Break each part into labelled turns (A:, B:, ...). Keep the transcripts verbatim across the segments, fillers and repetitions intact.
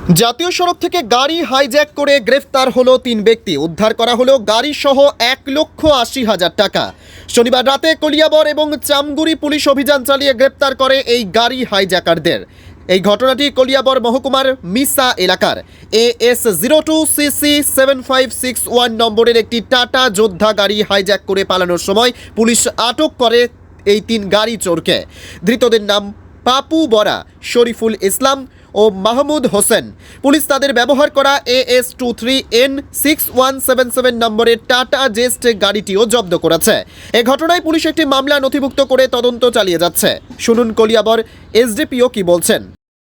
A: জাতীয় সড়ক থেকে গাড়ি হাইজ্যাক করে গ্রেফতার হলো তিন ব্যক্তি। উদ্ধার করা হলো গাড়ি সহ এক লক্ষ আশি হাজার টাকা। শনিবার রাতে কলিয়াবর এবং চামগুড়ি পুলিশ অভিযান চালিয়ে গ্রেফতার করে এই গাড়ি হাইজ্যাকারদের। এই ঘটনাটি কলিয়াবর মহকুমার মিসা এলাকার A S zero two C C seven five six one নম্বরের একটি টাটা যোদ্ধা গাড়ি হাইজ্যাক করে পালানোর সময় পুলিশ আটক করে এই তিন গাড়ি চোরকে। ধৃতদের নাম পাপু বরা, শরীফুল ইসলাম ও মাহমুদ হোসেন। পুলিশ তাদের ব্যবহার করা A S two three N six one seven seven নম্বরের টাটা জেস্ট গাড়িটিও জব্দ করেছে। এ ঘটনায় পুলিশ একটি মামলা নথিভুক্ত করে তদন্ত চালিয়ে যাচ্ছে। শুনুন কলিয়াবর এসডিপিও কি বলছেন।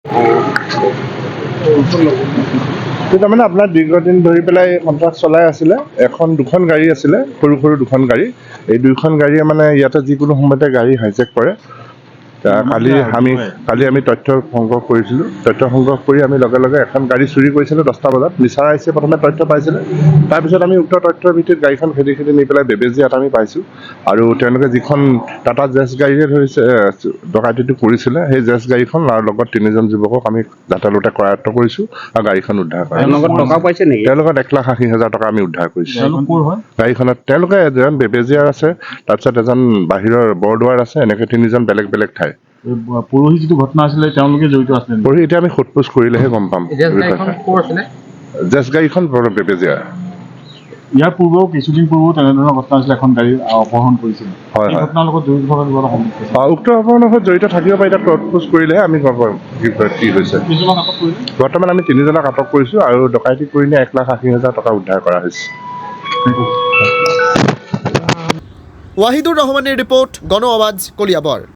B: তাৰমানে আপোনাৰ দীৰ্ঘদিন ধৰি পেলাই কণ্ট্ৰাক্ট চলাই আছিলে। এখন দুখন গাড়ী আছিলে, সৰু সৰু দুখন গাড়ী। এই দুইখন গাড়ীয়ে মানে ইয়াতে যিকোনো সময়তে গাড়ী হাইজেক কৰে। কালি আমি কালি আমি তথ্য সংগ্ৰহ কৰিছিলোঁ। তথ্য সংগ্ৰহ কৰি আমি লগে লগে এখন গাড়ী চুৰি কৰিছিলোঁ দহটা বজাত। মিছাৰ আইছে প্ৰথমে তথ্য পাইছিলে। তাৰপিছত আমি উক্ত তথ্যৰ ভিত্তিত গাড়ীখন খেদি খেদি নি পেলাই বেবেজীয়াত আমি পাইছোঁ। আৰু তেওঁলোকে যিখন টাটা জেছ গাড়ীৰে ধৰিছে ডকাইতিটো কৰিছিলে, সেই জেছ গাড়ীখন আৰু লগত তিনিজন যুৱকক আমি যাতায়াতে কৰায়ত্ব কৰিছোঁ আৰু গাড়ীখন উদ্ধাৰ কৰা। তেওঁলোকৰ এক লাখ আশী হাজাৰ টকা আমি উদ্ধাৰ কৰিছোঁ গাড়ীখনত। তেওঁলোকে এজন বেবেজীয়াৰ আছে, তাৰপিছত এজন বাহিৰৰ বৰদোৱাৰ আছে, এনেকৈ তিনিজন বেলেগ বেলেগ ঠাই।
C: পৰহি যিটো ঘটনা আছিলে তেওঁলোকে জড়িত আছিলে।
B: পৰহি এতিয়া আমি সোধ-পোছ কৰিলেহে গম পাম। জেছ গাড়ীখন বেবেজীয়া।
C: ইয়াৰ পূৰ্বেও কিছুদিন পূৰ্বেও তেনেধৰণৰ ঘটনা আছিলে, এখন গাড়ী অপহৰণ কৰিছিল।
B: হয় হয়,
C: ঘটনাৰ লগত জড়িত থকা কিবা সম্পৰ্ক
B: উক্ত অপহৰণৰ লগত জড়িত থাকিব পাৰে। এতিয়া সোধ-পোছ কৰিলেহে আমি গম পাম কি হৈছে।
C: কিছুমান আটক কৰিলে।
B: বৰ্তমান আমি তিনিজনক আটক কৰিছোঁ আৰু ডকাইতি কৰি নিয়ে এক লাখ আশী হাজাৰ টকা উদ্ধাৰ কৰা হৈছে।
A: ওয়াহিদুর রহমানের রিপোর্ট, গণ আওয়াজ, কলিয়াবর।